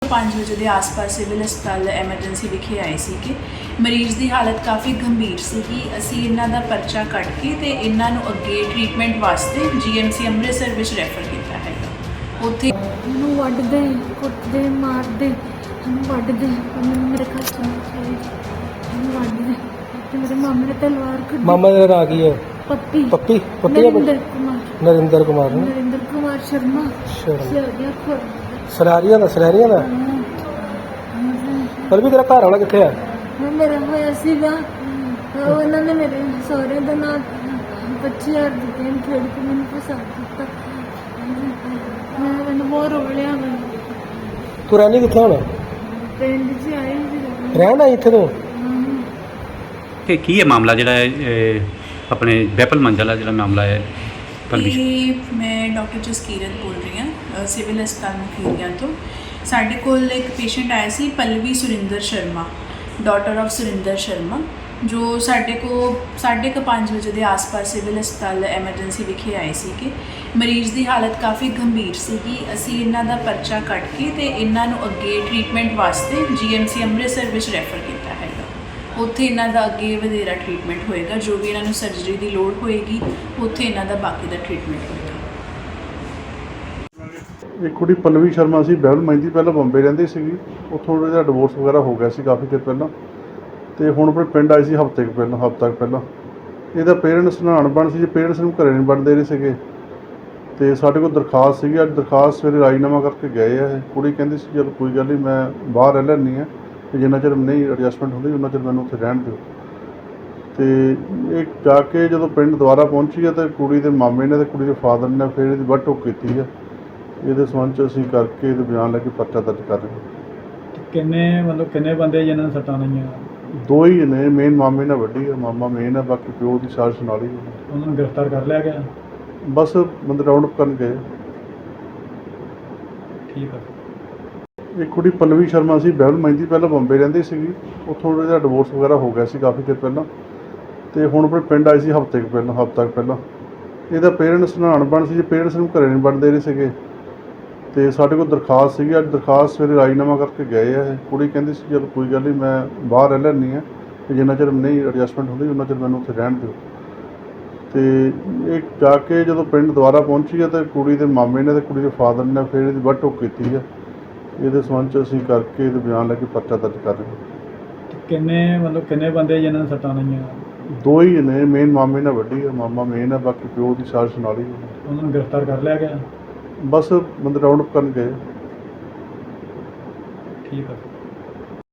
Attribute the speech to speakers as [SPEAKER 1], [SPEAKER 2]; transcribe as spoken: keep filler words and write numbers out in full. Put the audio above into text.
[SPEAKER 1] पाँच बजे के आस पास सिविल हस्पताल एमरजेंसी विखे आए थे कि मरीज़ की हालत काफ़ी गंभीर सी। असी इन्हों का परचा कट के तो इन्हों अगे ट्रीटमेंट वास्ते जी एम सी अमृतसर में रैफर किया है। उत्थे
[SPEAKER 2] वड्डदे कुटदे मारदे वड्डदे मेरे घर चले वड्डदे मेरे मामे ने तलवार कड्डी।
[SPEAKER 3] मामा का नाम की है?
[SPEAKER 2] पप्पी
[SPEAKER 3] पप्पी पप्पी
[SPEAKER 2] नरेंद्र कुमार
[SPEAKER 3] नरेंद्र कुमार ने
[SPEAKER 2] नरेंद्र कुमार शर्मा
[SPEAKER 3] शर्मा
[SPEAKER 2] शर्मा
[SPEAKER 3] सरारिया का सरारिया का पर भी तेरा घर वाला कितने है?
[SPEAKER 2] मेरा होया सीगा उन्होंने मेरे सहुरे का नाम पच्ची हज़ार दी गेम खेल के मैंने फसा दिता। मैं मैंने बहुत रो लिया। मैं
[SPEAKER 3] तू रहनी कितने होना?
[SPEAKER 2] पिंड च आई
[SPEAKER 3] रहना इतने तो
[SPEAKER 4] कि की है मामला जो अपने बैपल मंजल जो मामला है पलवी?
[SPEAKER 1] ये मैं डॉक्टर जसकीरत बोल रही हाँ सिविल हस्पताल मुखीरिया तो। साढ़े कोल एक पेशेंट आया सी पल्लवी सुरिंदर शर्मा डॉटर ऑफ सुरिंदर शर्मा जो साढ़े को साढ़े को पाँच बजे के आस पास सिविल हस्पताल एमरजेंसी विखे आए थे कि मरीज़ की हालत काफ़ी गंभीर सी। असी इन्हों का परचा कट के तो इन्हों अगे ट्रीटमेंट वास्ते जी एम सी अमृतसर में रैफर किया है। उत्थे इन्हों का अगे वधेरा ट्रीटमेंट होएगा, जो भी इन्हों सर्जरी की लोड़ होएगी उत्थे इन्हों का बाकी का ट्रीटमेंट होएगा।
[SPEAKER 5] एक कुड़ी पल्लवी शर्मा सी बहल महिंदी पहले बंबे रहिंदी सीगी, उत्थों उहदा डिवोर्स वगैरह हो गया सी काफ़ी देर पहला तो हुण अपने पिंड आई सी हफ्ते कुछ पहला हफ्ता कुछ पहला। इहदा पेरेंट्स नानबन सी जे पेरेंट्स नूं घरे नहीं वड़न दे रहे सीगे ते साडे कोल दरखास्त सीगी। अज दरखास्त सवेरे राजीनामा करके गए आ। कुड़ी कहंदी सी चल कोई गल नहीं मैं बाहर रह लैंदी आ कि जिन्ना चिर नहीं एडजस्टमेंट होंदी उन्ना चिर मैनूं उत्थे रहण दिओ। तो ये जाके जो पिंड दुबारा पहुंची है तो कुड़ी के मामे ने तो कुड़ी के फादर ने फिर इसकी वट टोक की है। ये संबंध असीं करके ये बयान लैके परचा दर्ज कर रहे हैं।
[SPEAKER 3] किन्ने मतलब किन्ने बंदे जिन्होंने सट्टां लाइयां?
[SPEAKER 5] दो ही ने, मेन मामे ने वड्डी है, मामा मेन है, बाकी प्यो की साजिश नाल ही है।
[SPEAKER 3] उन्होंने गिरफ्तार कर लिया गया?
[SPEAKER 5] बस बंदे राउंड अप करन गए।
[SPEAKER 3] ठीक है।
[SPEAKER 5] एक कुड़ी पल्लवी शर्मा सी बहल महिंदी पहले बंबे रहिंदी सीगी, उत्थों उहदा डिवोर्स वगैरह हो गया सी काफ़ी देर पहला तो हुण अपने पिंड आई सी हफ्ते कुछ पहला हफ्ता कुछ पहला। इहदा पेरेंट्स नानबन सी जे पेरेंट्स नूं घरे नहीं वड़न दे रहे सीगे तो साडे कोल दरखास्त सीगी। अज दरखास्त सवेरे राजीनामा करके गए आ। कुड़ी कहंदी सी चल कोई गल नहीं मैं बाहर रह लैंदी आ कि जिन्ना चिर नहीं एडजस्टमेंट होंदी उन्ना चिर मैनूं उत्थे रहण दिओ। तो ये जाके जो पिंड दुबारा पहुंची है तो कुड़ी के मामे ने तो कुड़ी के फादर ने फिर इसकी वट टोक की है। ये संबंध असीं करके ये बयान लैके परचा दर्ज कर रहे हैं।
[SPEAKER 3] किन्ने मतलब किन्ने बंदे जिन्होंने सट्टां लाइयां?
[SPEAKER 5] दो ही ने, मेन मामे ने वड्डी है, मामा मेन है, बाकी प्यो की साजिश नाल ही है।
[SPEAKER 3] उन्होंने गिरफ्तार कर लिया गया?
[SPEAKER 5] बस बंदे राउंड अप करन गए।
[SPEAKER 3] ठीक है।